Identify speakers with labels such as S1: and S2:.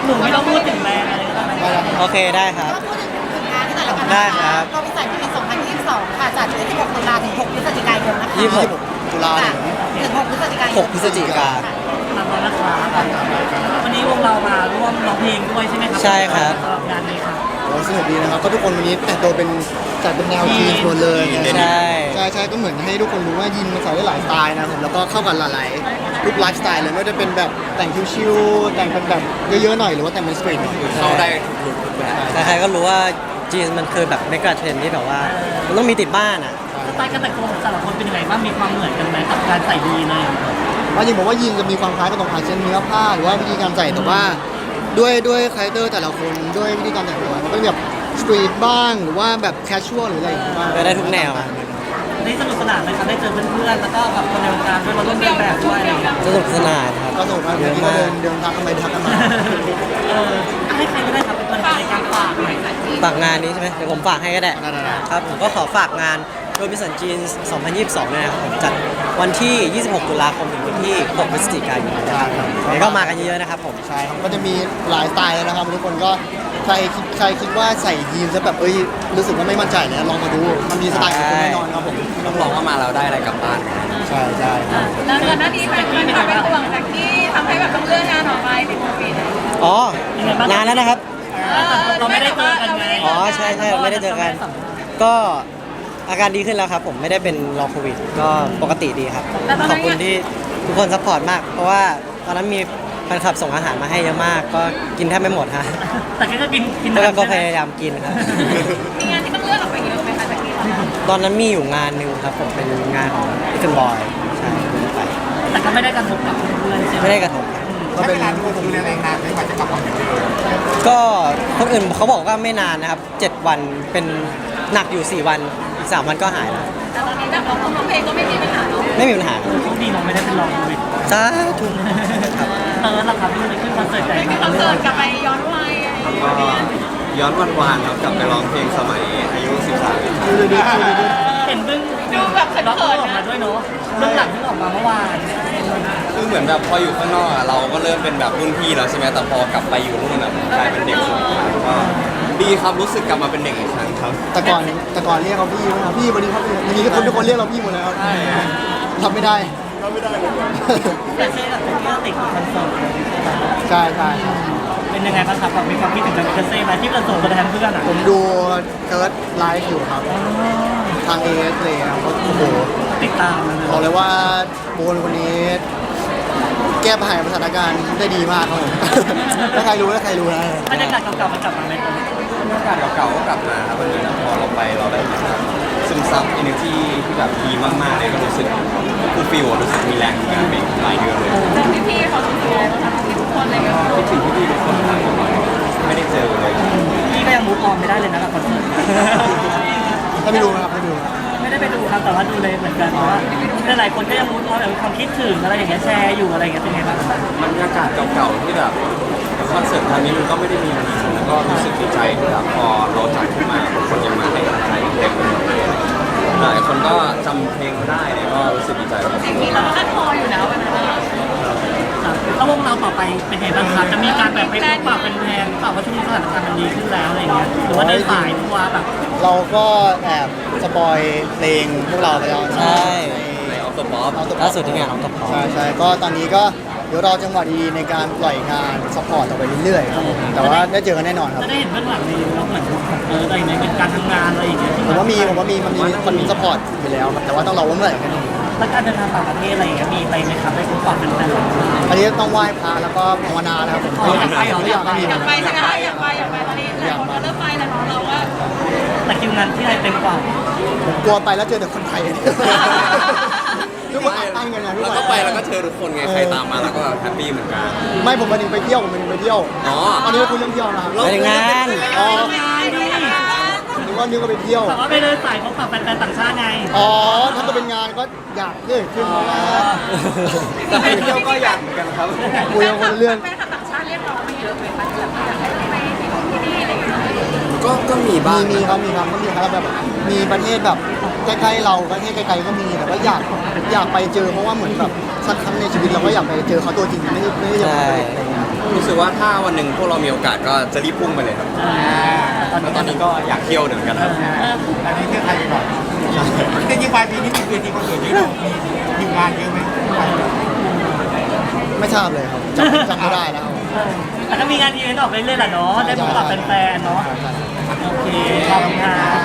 S1: นูไม่ต้องพูดถึงแบรนด์อะไรก็ได้ไหม
S2: โอเคได้ครับ
S3: ก็พูดถึงงานที่แต่ละกัน
S2: ได้ครับ
S3: ก็วิสัยทัศน์2022 ค่ะจัดวันที่6ตุลาถึง6พฤศจิกายนนะคะ
S2: 26 ตุลาถึง
S3: 6พฤศจิกายน
S2: 6 พฤศจิกา
S1: ทำแล้วนะครับวันนี้วงเรามาร่วมร้องเพลงด้วยใช่ไหมครั
S2: ใช่ครับ
S1: สำหรับงานนี้ครับ
S4: โอ้สนุกดีนะครับก็ทุกคนวันนี้แต่งตัวเป็นจัดเป็นแนวจีนหมดเลยนะ
S2: ใช่
S4: ใช่ก็เหมือนให้ทุกคนรู้ว่ายินมันใส่ได้หลายสไตล์นะครับผมแล้วก็เข้ากันหลายๆทุกไลฟ์สไตล์เลยไม่ว่าจะเป็นแบบแต่งชิวๆแต่งเป็นแบบเยอะๆหน่อยหรือว่าแต่งเป็นสตรีทหน่อย
S2: เข้าได้ทุกแบบใครๆก็รู้ว่าจีนมันคือแบบเมกะเทรนด์ที่แบบว่ามันต้องมีติดบ้านอ่ะ
S1: สไตล์การแต่งตัวของแต่ละคนเป็นยังไงบ้างมีความเหมือนกันไหมกับการใส่ยีนเลย
S4: ว่าจริงผมว่ายินจะมีความคล้ายกับตรงอาเช่นเนื้อผ้าหรือว่าวิธีการใส่แต่ว่าด้วยคาแรคเตอร์แต่ละคนด้วยวิธีการแต่งตัวมันก็จะแบบสตรีทบ้างหรือว่าแบบแคชชวลหรืออะไรอย่างเงี้ยบ้าง
S2: ได้ทุกแนวอะ
S1: ได้สนุกสนานไหมครับได้เจอเพื่อนๆแล้วก็กับคนในวงการด้วยมาร่วมเดินแบบด้วยอะไรอย่างเงี้ย
S2: สนุกสนานครับ
S4: ก็สนุกมาก
S2: เย
S4: เมื่อ
S2: อะ
S4: กี้ก็
S2: มาก
S4: เดินทักกันไปทักกันมา
S1: ให้ใครก็ได้ครับเป็นตัวแทนในการฝากหน่อย
S2: ฝากงานนี้ใช่ไหมเดี๋ยวผมฝากให้ก็ได้
S4: ได้ๆ
S2: ครับผมก็ขอฝากงานโรบินสันจีน 2022เนี่ยนะครับผมจัดวันที่ 26 ตุลาคมถึงวันที่ 6 พฤศจิกายนนะครับเดี๋ยวก็มากันเยอะๆนะครับผม
S4: ใช่ครับก็จะมีหลายสไตล์เลยนะครับทุกคนก็ใครคิดว่าใส่ยีนส์แล้วแบบรู้สึกว่าไม่มั่นใจเนี่ยลองมาดูมันมีสไตล์ของคุณแน่นอนครับผม
S2: ต้องบอกว่ามาเราได้อะไรกลับบ้าน
S4: ใช่ใช่ครับ
S5: แล้วก่อนหน้านี้มันเป็นห่วงจากที่ทำให้แบบต้องเลื่อนงานออกไปติดโควิด
S2: อ๋อ นานแล้วนะครับ
S1: เราไม่ได้เจอกันไง
S2: อ๋อใช่ใช่ไม่ได้เจอกัน ก็อาการดีขึ้นแล้วครับผมไม่ได้เป็นลองโควิด ก็ปกติดีครับ ขอบคุณที่ทุกคนซัพพอร์ตมาก เพราะว่าตอนนั้นมีแฟนคลับส่งอาหารมาให้เยอะมาก ก็กินแทบไม่หมดฮะ
S1: แต่ก็กิน
S2: แล้วก็พยายามกินครับ
S5: มีงานที่ต้องเลื่อนออกไปเยอะไหมคะจากที่เรา
S2: ตอนนั้นมีอยู่งานหนึ่งครับผมเป็นงานของพี่เฟนบอยใช่ไป
S1: แต่ก็ไม่ได้กระทบกับเพื่อนใช่ไหม
S2: ไม่ได้กระทบครับ
S4: ก็เป็น
S2: ก็คนอื่นเขาบอกว่าไม่นานนะครับ 7 วันเป็นหนักอยู่ 4 วันอีก 3 วันก็หายแล้ว
S5: แต่ตอนนี้แบบเราร้องเพลงก็ไม่มีปัญหาเนาะ
S2: ไม่มีปัญหาครับ
S1: โชคดีเราไม่ได้เป็นลองโควิด
S2: สาธุครับ
S1: ล่ะครับที่มันขึ้นคอนเสิร์ตใหญ่
S5: ไม่มีคอนเสิร์ตกลับไปย้อนวัยอะไรอย่างเงี้ย
S6: ย้อนวันวานครับกลับไปร้องเพลงสมัยอายุ 13
S1: เห็นเบื้อง
S5: ดูแบบเขิ
S1: ล็อก
S5: น
S1: ออก
S5: ๆ
S1: มา
S5: นะ
S1: ด้วยเนาะเบื้องหลังที่ออกมาเมื่อวาน
S6: คือเหมือนแบบพออยู่ข้างนอกอะเราก็เริ่มเป็นแบบรุ่นพี่แล้วใช่ไหมแต่พอกลับไปอยู่นู่นอะผมกลายเป็นเด็กสุดก็ดีครับรู้สึกกลับมาเป็นเด็กอีกครั้งครับ
S4: แต่ก่อนเรียกเขาพี่นะครับพี่วันนี้ครับวันนี้ทุกคนเรียกเราพี่หมดแล้วทำไม่ได้
S1: แต่เช่กับที่เราติดคอนเสิร์ต
S4: ใช่ใช่ครับ
S1: เป็นยังไงบ้างครับมีความคิดถึงกับเซ่ไหมที่เราส่งตัวแทนเพื่อนอ่ะ
S4: ผมดูเทิร์ดไลฟ์อยู่ครับทางเอสเลยครับโอ้โห
S1: ติดตามมัน
S4: บอกเลยว่าโบนคนนี้ แก้ปัญหาสถานการณ์ได้ดีมากครับผม ถ้าใครรู้นะ
S1: บรรยากาศเก่าๆมันกลับมาไหมตอนนี้
S6: บรรยากาศเก่าๆก็กลับมาครับมันเหมือนพอเราไปเราได้เหมือนแบบซึมซับ energy ที่แบบดีมากๆเลยก็รู้สึกฟูลฟิลรู้สึกมีแรงงานไปหลายเดือนเลย
S5: แล้วพี่ๆเขาถึงยังไงบ้างคะทุกคนอะไรอย่างเงี้ย
S6: คิดถึงพี่ๆทุกคนครับไม่ได้เจอเลย
S1: พี่ก็ยังมูฟออนไม่ได้เลยนะกับคอนเสิร์ต
S4: ถ้าไม่รู้นะครับไม่ดู
S1: ไม่ได้ไปดูครับแต่ว่าดูเลยเหมือนกันเพราะว่าหลายคนก็ยังมูฟออนแบบความคิดถึงอะไรอย่างเงี้ยแชร์อยู่อะไรอย่างเงี้ยเป็นไงบ้างครับ
S6: บรรยากาศเก่าๆที่แบบคอนเสิร์ตครั้งนี้มันก็ไม่ได้มีมานานแล้วก็รู้สึกดีใจที่แบบพอเราจัดขึ้นมาทุกคนยังมาให้กำลังใจเต็มไปหมดเลยหลายคนก็จำเพลงได้เนี่ยก็รู้สึกดีใจมาก
S5: อย่างนี้เราก็คัดคออยู่นะวันนั้นอะ
S1: ครับแล้ววงเราต่อไปเป็นไงบ้างครับจะมีการแบบไปพบปะเป็นแทนเปล่าว่าช่วงนี้สถานการณ์มันดีขึ้นแล้วอะไรอย่างเงี้ยหรือว่าเดินสายทัวร์แบบ
S4: เราก็แอบสปอยเพลงพวกเราไปแล้ว
S2: ใช่
S6: ในออฟตัวป๊อป
S2: ล่าสุดที่งานน้องตะพอ
S4: ใช่ก็ตอนนี้ก็เดี๋ยวรอจังหวะดีๆในการปล่อยงานซัพพอร์ตต่อไปเรื่อยๆครับผมแต่ว่าได้เจอกันแน่นอนครับ
S1: จะได้เห็นเบื้องหลังในเราเหมือนอะไรอย่างเงี้ยเป็นการทำงานอะไรอย่างเงี้ยที่
S4: ผมว่ามีซัพพอร์ตอยู่แล้วครับแต่ว่าต้องรอว่าเมื่อไหร่กัน
S1: แล้วการเดินทางต่างประเทศอะไรอย่างเงี้ยมีไปไหมครับได้พบปะเป็นแฟนๆ
S4: อันนี้ต้องไหว้พระแล้วก็ภาวนาแล้วครับผม
S1: อยากไปเหรออยากไป
S5: อยากไปใช่ไหมคะอยากไปตอนนี้หลายคนก็เริ่มไปแล้วเนาะเราว่า
S1: แต่คิวงานที่ไทยเต็มกว่า
S4: ผมกลัวไปแล้วเจอแต่คนไทยทุกคนอัดอั้นกันนะทุก
S6: แล้ว
S4: คน
S6: ก็ไปแล้วก็เจอทุกคนไงใครตามมาแล้วก็แฮปปี้เหมือนกัน
S4: ไม่ผมมาถึงไปเที่ยวผมไปเที่ยว
S6: อ๋อ
S4: ตอนนี้เราคุยเรื่องเที่ยวนะครับ
S2: ไปถึงงาน
S4: อ๋อ
S1: นี่
S4: นึกว่าไปเที่ยว
S1: แต่ว่าไปเดินสายพบปะแฟนๆต่างชาติไง
S4: อ๋อถ้าจะเป็นงานก็อยากเกิดขึ้นเพราะว่า
S6: แต่ไปเที่ยวก็อยากเหมือนกันครับ
S4: คุยกันคนละเรื่อง
S5: แฟนคลับต่างชาติเรียกร้องมาเยอะไหมคะที่แบบอยากให้ไปที่นู่นที่นี่อะไรอย่างเงี้ย
S6: ก็มีบ้าง
S4: มีครับก็มีครับแบบมีประเทศแบบใกล้ๆเราประเทศไกลๆก็มีแต่ว่าอยากไปเจอเพราะว่าเหมือนแบบสักครั้งในชีวิตเราก็อยากไปเจอเขาตัวจริงไม่ได้จะไปอะไรเงี้ย
S6: รู้สึกว่าถ้าวันหนึ่งพวกเรามีโอกาสก็จะรีบพุ่งไปเลยครับแล้วตอนนี้ก็อยากเที่ยวเหมือนกันครับ
S7: อันนี้เที่ยวไทยไปก่อนจริงๆปลายปีนี้มีเวทีคอนเสิร์ตที่เรามีทีมงานเยอะไหม
S4: ไม่ทราบเลยครับจำไม่ได้แล้ว
S1: แต่ก็มีงานอีเวนต์ออกไปเรื่อยๆแหละเนาะได้พบกับแฟนๆเนาะโอเคขอบคุณครับ